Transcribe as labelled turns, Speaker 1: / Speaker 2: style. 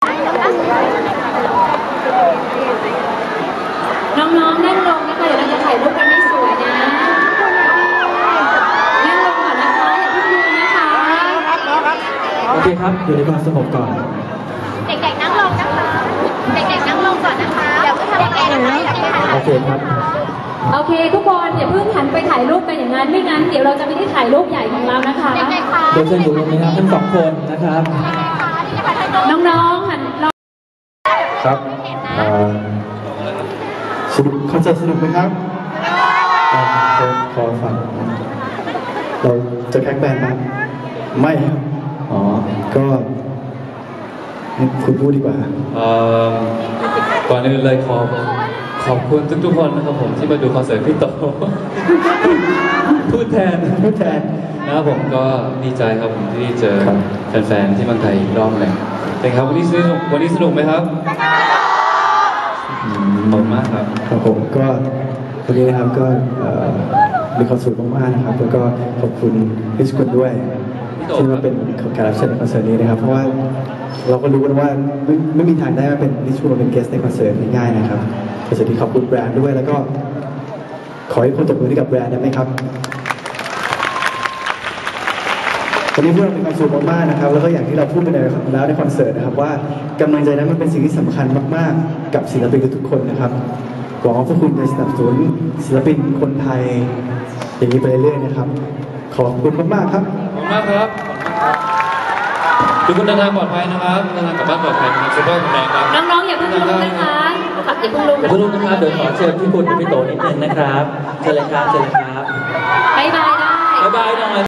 Speaker 1: น้องๆนั่งลงนะคะเดี๋ยวเราจะถ่ายรูปกันไม่สวยนะนั่งลงก่อนนะคะอย่าเพิ่งยืนนะคะ
Speaker 2: โอเคครับอยู่ในความสงบก่อน
Speaker 1: เด็กๆนั่งลงนะคะเด็กๆนั่งลงก่อนนะคะอย่าเพิ่งทำอะไรนะคะ
Speaker 2: โอเคครับ
Speaker 1: โอเคทุกคนอย่าเพิ่งหันไปถ่ายรูปกันอย่างนั้นไม่งั้นเดี๋ยวเราจะไม่ได้ถ่ายรูปใหญ่ของเรานะคะ
Speaker 2: โดยเชิญอยู่ตรงนี้ครับทั้ง2 คนนะครับ
Speaker 1: น้องๆหัน
Speaker 2: ครับสนุกคอนเสิร์ตสนุกไหมครับขอฟังเราจะแข่งแบนด์มั้ยไม่ครับอ๋อก็คุณพูดดีกว่า
Speaker 3: ก่อนอื่นเลยขอบคุณทุกคนนะครับผมที่มาดูคอนเสิร์ตพี่โตพูดแทนนะครับผมก็ดีใจครับผมที่เจอแฟนๆที่เมืองไทยอีกรอบหนึ่งเป็นครับวันนี้สนุกไหมครับขอบคุณมากครับ
Speaker 2: ครับผมก็วันนี้นะครับก็มีความสุขมากๆนะครับแล้วก็ขอบคุณพี่สกุลด้วยที่มาเป็นการรับเชิญในคอนเสิร์ตนี้นะครับเพราะว่าเราก็รู้กันว่าไม่มีทางได้มาเป็นนิชูมาเป็นเกสในคอนเสิร์ตง่ายๆนะครับคอนเสิร์ตที่ขอบคุณแบรนด์ด้วยแล้วก็ขอให้คนตบมือให้กับแบรนด์ได้ไหมครับวันนี้พวกเรามีความสุขมากๆนะครับแล้วก็อย่างที่เราพูดไปแล้วในคอนเสิร์ตนะครับว่ากำลังใจนั้นมันเป็นสิ่งที่สำคัญมากๆกับศิลปินทุกคนนะครับหวังว่าพวกคุณจะสนับสนุนศิลปินคนไทยอย่างนี้ไปเรื่อยๆนะครับขอบคุณมากๆครับ
Speaker 3: ขอบคุณมากครับทุกคนเดินทางปลอดภัยนะครับเดินทางกลับบ้านปลอดภัยนะครับสุขภาพแข็งแรงครับ
Speaker 1: น้องๆอย่าเพิ่งลุกนะคะอย่าเพิ่งลุก
Speaker 2: นะครับเดี๋ยวขอเชิญพี่คุณกับพี่โตนิดนึงนะครับเชิญเลยครับบ๊ายบายได้
Speaker 1: บ๊ายบายหน่อย